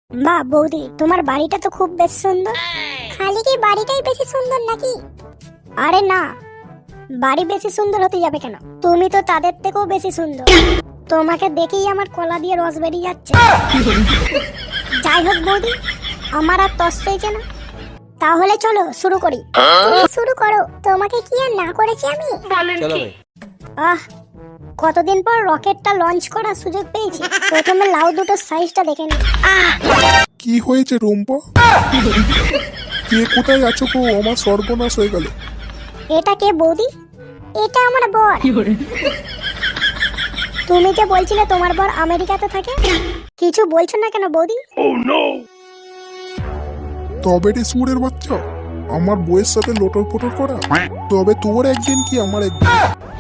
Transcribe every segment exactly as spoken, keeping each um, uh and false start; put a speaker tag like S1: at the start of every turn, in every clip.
S1: বাহ বৌদি, তোমার বাড়িটা তো খুব বেশ সুন্দর। খালি কি বাড়িটাই বেশি সুন্দর নাকি? আরে না, বাড়ি বেশি সুন্দর হতে যাবে কেন? তুমি তো তাদের থেকেও বেশি সুন্দর। তোমাকে দেখেই আমার কলা দিয়ে রস বেরিয়ে যাচ্ছে। যাই হোক বৌদি, আমার আর তস চাইছে না, তাহলে চলো শুরু করি। শুরু করো, তোমাকে কি আর না করেছি আমি?
S2: চলো ভাই।
S1: আহ, কতদিন পর রকেটটা লঞ্চ করার সুযোগ পেয়েছি। প্রথমে লাউ দুটোর সাইজটা দেখে নি। আহ,
S3: কি হয়েছে রুম্পা? কে কোথায় আছো গো? আমার সর্বনাশ হয়ে গেল।
S1: এটা কে বৌদি? এটা আমার বর। তুমি যে বলছিলে তোমার বর আমেরিকাতে থাকে, কিছু বলছো না কেন বৌদি?
S3: তবে রে সুরের বাচ্চা, আমার বউয়ের সাথে লোটর পোটর করা, তবে তোর একদিন কি আমার একদিন।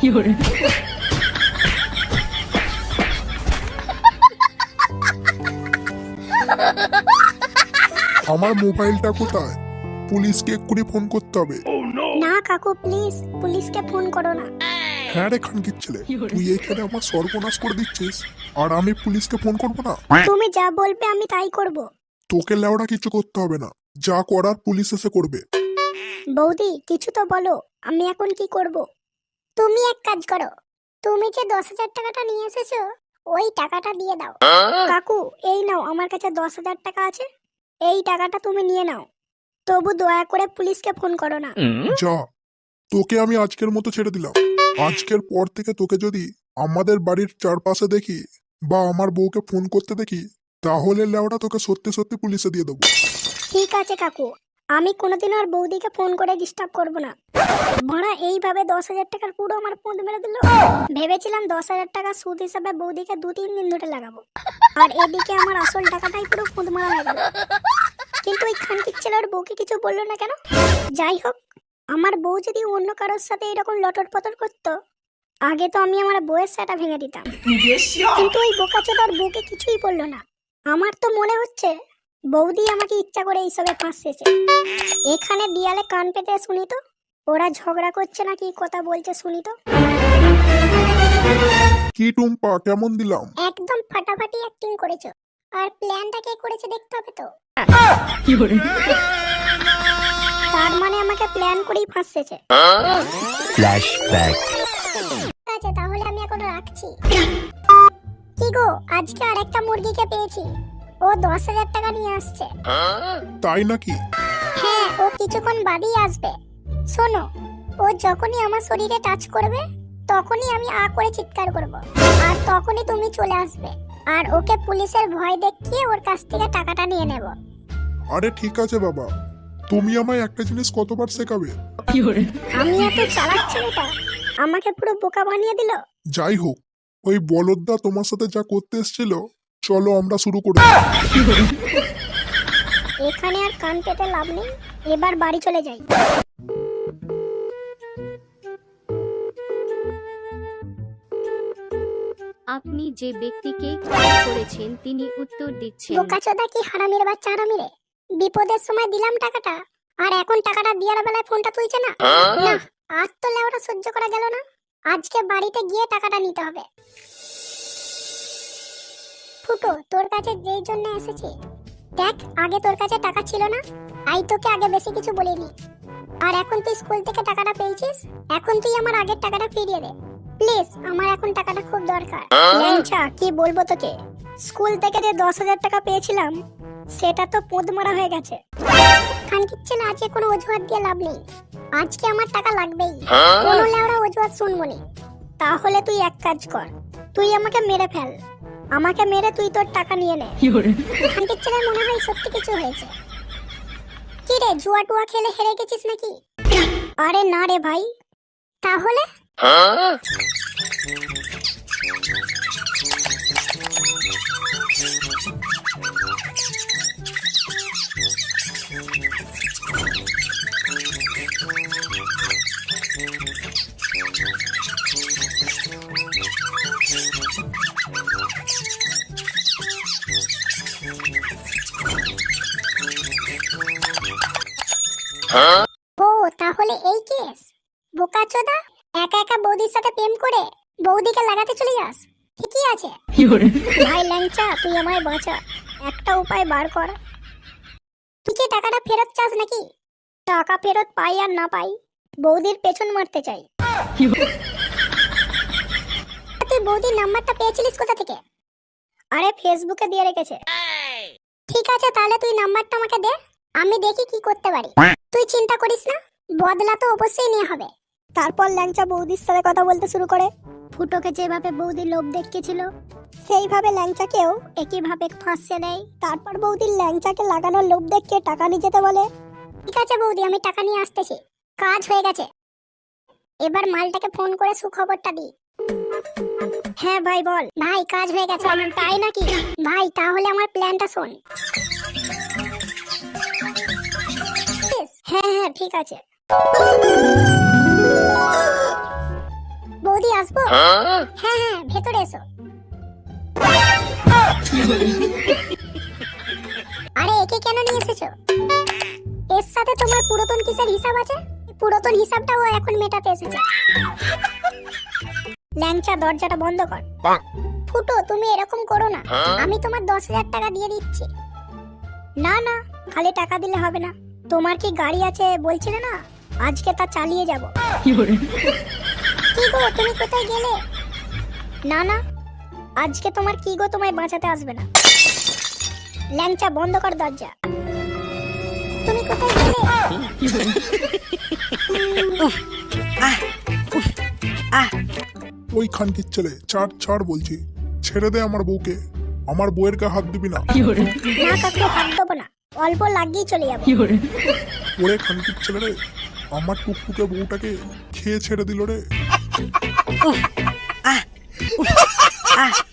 S3: আমার মোবাইলটা কোথায়? পুলিশকে এক্ষুনি ফোন করতে হবে।
S1: না কাকু, প্লিজ পুলিশকে ফোন করো না।
S3: হ্যাঁ রে খানকির ছেলে, তুই এখানে আমার সর্বনাশ করে দিচ্ছিস আর আমি পুলিশকে ফোন করবো না?
S1: তুমি যা বলবে আমি তাই করব।
S3: তোকে লেওড়া কিছু করতে হবে না, যা করার পুলিশ এসে করবে।
S1: বৌদি কিছু তো বলো, আমি এখন কি করব? তুমি এক কাজ করো, তুমি যে দশ হাজার টাকাটা নিয়ে এসেছো ওই টাকাটা দিয়ে দাও। কাকু এই নাও, আমার কাছে দশ হাজার টাকা আছে, এই টাকাটা তুমি নিয়ে নাও। তবু দয়া করে পুলিশকে ফোন করো না।
S3: যা, তোকে আমি আজকের মতো ছেড়ে দিলাম। আজকের পর থেকে তোকে যদি আমাদের বাড়ির চারপাশে দেখি বা আমার বউকে ফোন করতে দেখি, তাহলে লেওড়া তোকে সত্যি সত্যি পুলিশে দিয়ে দেবো।
S1: ঠিক আছে কাকু, আমি কোনোদিন আর বৌদিকে ফোন করে ডিস্টার্ব করব না। ভাড়া এইভাবে দশ হাজার টাকার পুরো আমার পুঁত মেরে দিল। ভেবেছিলাম দশ হাজার টাকা সুদ হিসাবে বৌদিকে দু তিন দিন ধরে লাগাবো, আর এদিকে আমার আসল টাকাটাই পুরো পুঁত মারা হয়ে গেল। কিন্তু ওই খানকির ছেলের বউকে কিছু বললো না কেন? যাই হোক, আমার বউ যদি অন্য কারোর সাথে এরকম লটর পটর করতো, আগে তো আমি আমার বউয়ের সেটা ভেঙে দিতাম। কিন্তু ওই বোকাচোদার বউকে কিছুই বললো না। আমার তো মনে হচ্ছে বৌদি আমাকে ইচ্ছা করে এইসবে ফাঁসেছে। এখানে দিয়ালে কান পেতে শুনি তো, ওরা ঝগড়া করছে না কি কথা বলছে শুনি তো।
S3: কি টুম্পা, কেমন দিলাম?
S1: একদম ফাটাফাটি অ্যাক্টিং করেছো, আর প্ল্যানটা কে করেছে দেখতে হবে তো। তার মানে আমাকে প্ল্যান করেই ফাঁসেছে।
S2: ফ্ল্যাশব্যাক।
S1: ঠিক আছে, তাহলে আমি এখন রাখছি। কি গো, আজকে আরেকটা মুরগিকে পেয়েছি, ও দশ হাজার টাকা নিয়ে আসছে।
S3: তাই নাকি?
S1: হ্যাঁ, ও কিছুক্ষণ বাদেই আসবে। শোনো, ও যখনই আমার শরীরে টাচ করবে তখনই আমি আ করে চিৎকার করব, আর তখনই তুমি চলে আসবে, আর ওকে পুলিশের ভয় দেখিয়ে ওর কাছ থেকে টাকাটা নিয়ে নেব।
S3: আরে ঠিক আছে বাবা, তুমি আমায় একটা জিনিস কতবার শেখাবে?
S1: আমি এত চালাক ছেলেটা আমাকে পুরো বোকা বানিয়ে দিল।
S3: যাই হোক, ওই বলদদা তোমার সাথে যা করতে এসেছিল, চলো আমরা শুরু করি।
S1: এখানে আর কান পেতে লাভ নেই, এবার বাড়ি চলে যাই।
S4: আপনি যে ব্যক্তিকে কল করেছেন তিনি উত্তর দিচ্ছেন।
S1: বোকাচোদা কি হারামির বাচ্চা হারামিরে, বিপদের সময় দিলাম টাকাটা, আর এখন টাকাটা দেওয়ার বেলায় ফোনটা তুলছে না। না, আজ তো লেওটা সহ্য করা গেল না, আজকে বাড়িতে গিয়ে টাকাটা নিতে হবে। ফুটো, তোর কাছে যেই জন্য এসেছি, দেখ আগে তোর কাছে টাকা ছিল না, আই তোকে আগে বেশি কিছু বলিনি, আর এখন তুই স্কুল থেকে টাকাটা পেয়েছিস, এখন তুই আমার আগের টাকাটা ফিরিয়ে দে প্লিজ, আমার এখন টাকাটা খুব দরকার। ল্যাংচা, কি বলবো তোকে, স্কুল থেকে যে দশ হাজার টাকা পেয়েছিলাম সেটা তো পোদ মারা হয়ে গেছে। খানকির ছেলে, আজকে কোনো অজুহাত দিয়ে লাভ নেই, আজকে আমার টাকা লাগবেই, কোনো লেওড়া অজুহাত শুনবো নি। তাহলে তুই এক কাজ কর, তুই আমাকে মেরে ফেল, আমাকে মেরে তুই তোর টাকা নিয়ে নে। খানকির ছেলে মনে হয় সত্যি কিছু হয়েছে। কি রে, জুয়া টুয়া খেলে হেরে গেছিস নাকি? আরে না রে ভাই। তাহলে ও তাহলে এই কেস, বোকাচোদা একা একা বৌদির সাথে প্রেম করে বৌদিকে লাগাতে চলে যাস, ঠিকই আছে। ভাই ল্যাংচা, তুই আমায় বাঁচা। একটা উপায় বার কর। তুই কি টাকাটা ফেরত চাস নাকি? টাকা ফেরত পাই আর না পাই, বৌদির পেছন মারতে চাই। তুই বৌদির নাম্বারটা পেয়েছিলিস কোথা থেকে? আরে ফেসবুকে দিয়ে রেখেছে। ঠিক আছে, তাহলে তুই নাম্বারটা আমাকে দে, আমি দেখি কি করতে পারি। তুই চিন্তা করিস না, বদলা তো অবশ্যই নেওয়া হবে। তারপর ল্যাংচা বৌদির সাথে কথা বলতে শুরু করে। ফুটোকে যেভাবে বৌদি লোভ দেখিয়েছিল, সেইভাবে ল্যাংচাকেও একইভাবে ফাঁসিয়ে দেয়। তারপর বৌদির ল্যাংচাকে লাগানোর লোভ দেখিয়ে টাকা নিয়ে যেতে বলে। ঠিক আছে বৌদি, আমি টাকা নিয়ে আসতেছি। কাজ হয়ে গেছে, এবার মালটাকে ফোন করে সুখবরটা দিই। হ্যাঁ ভাই বল। ভাই কাজ হয়ে গেছে। তাই নাকি? ভাই তাহলে আমার প্ল্যানটা শোন। হ্যাঁ হ্যাঁ ঠিক আছে। বৌদি আসবো? হ্যাঁ হ্যাঁ ভেতরে এসো। আরে একে কেন নিয়ে এসেছো? এর সাথে তোমার পুরাতন কিসের হিসাব আছে? পুরাতন হিসাবটাও এখন মেটাতে এসেছে। ল্যাংচা দরজাটা বন্ধ কর। ফুটো তুমি এরকম করো না, আমি তোমার দশ হাজার টাকা দিয়ে দিচ্ছি। না না, খালি টাকা দিলে হবে না। তোমার কি গাড়ি আছে বলছিলে না, আজকে তা চালিয়ে যাব। কি গো তুমি কোথায় গেলে? না না, আজকে তোমার কি গো তোমায় বাঁচাতে আসবে না। ল্যাংচা বন্ধ কর দরজা। তুমি কোথায় গেলে?
S3: ওই খানকির ছেলে, ছাড় ছাড় বলছি, ছেড়ে দে আমার বউকে। আমার বউয়ের গায়ে হাত দিবি না।
S1: না কাকু, হাত দেবো না, অল্প লাগিয়ে চলে যাবো।
S3: ওরে খানকির ছেলে রে, আমার টুকটুকে বউটাকে খেয়ে ছেড়ে দিল রে।